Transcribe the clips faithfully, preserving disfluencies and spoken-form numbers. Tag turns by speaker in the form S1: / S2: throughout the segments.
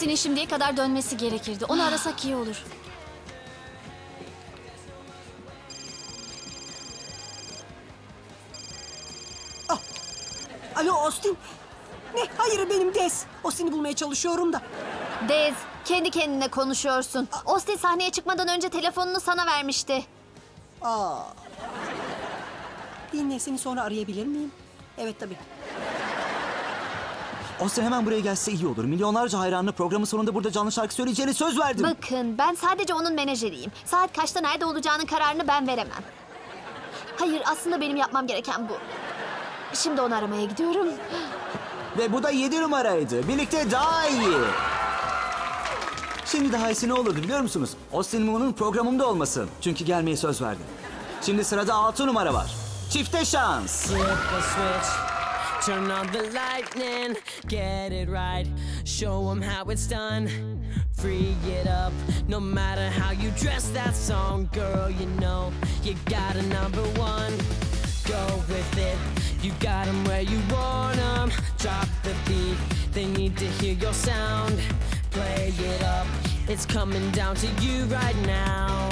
S1: Austin'in şimdiye kadar dönmesi gerekirdi. Onu arasak iyi olur.
S2: Alo Austin. Ne? Hayır benim Des. Austin'i bulmaya çalışıyorum da.
S3: Dez, kendi kendine konuşuyorsun. Austin sahneye çıkmadan önce telefonunu sana vermişti.
S2: Aa. Dinle, seni sonra arayabilir miyim? Evet tabii.
S4: Austin hemen buraya gelse iyi olur. Milyonlarca hayranlı programın sonunda burada canlı şarkı söyleyeceğine söz verdim.
S3: Bakın, ben sadece onun menajeriyim. Saat kaçta nerede olacağının kararını ben veremem. Hayır, aslında benim yapmam gereken bu. Şimdi onu aramaya gidiyorum.
S4: Ve bu da yedi numaraydı. Birlikte daha iyi. Şimdi daha iyisi ne olurdu biliyor musunuz? Austin Moon'un programımda olması. Çünkü gelmeye söz verdim. Şimdi sırada altı numara var. Çifte şans.
S5: Flip a switch, turn on the lightning, get it right, show 'em how it's done, free it up, no matter how you dress that song, girl, you know, you got a number one, go with it, you got 'em where you want 'em, drop the beat, they need to hear your sound, play it up, it's coming down to you right now.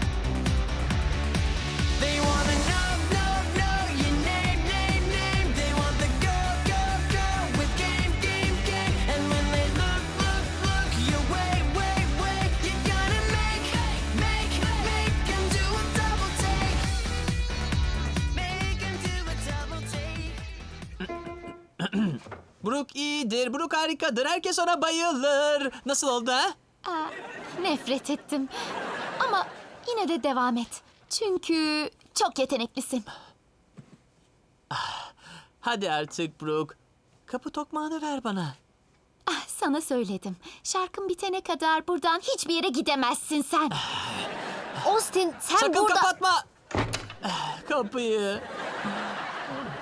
S5: They wanna know, know, know your name, name, name. They want the go, go, go with game, game, game. And when they look, look, look your way, way, way, you gotta make, make, make 'em do a double take. Make 'em do a double take.
S6: Brooke iyidir, Brooke harikadır. Herkes ona bayılır. Nasıl oldu ha?
S1: Aa, nefret ettim. Ama yine de devam et. Çünkü çok yeteneklisin.
S6: Hadi artık Brooke. Kapı tokmağını ver bana.
S1: Ah, sana söyledim. Şarkın bitene kadar buradan hiçbir yere gidemezsin sen.
S3: Austin, sen
S6: Sakın
S3: burada...
S6: kapatma. Kapıyı.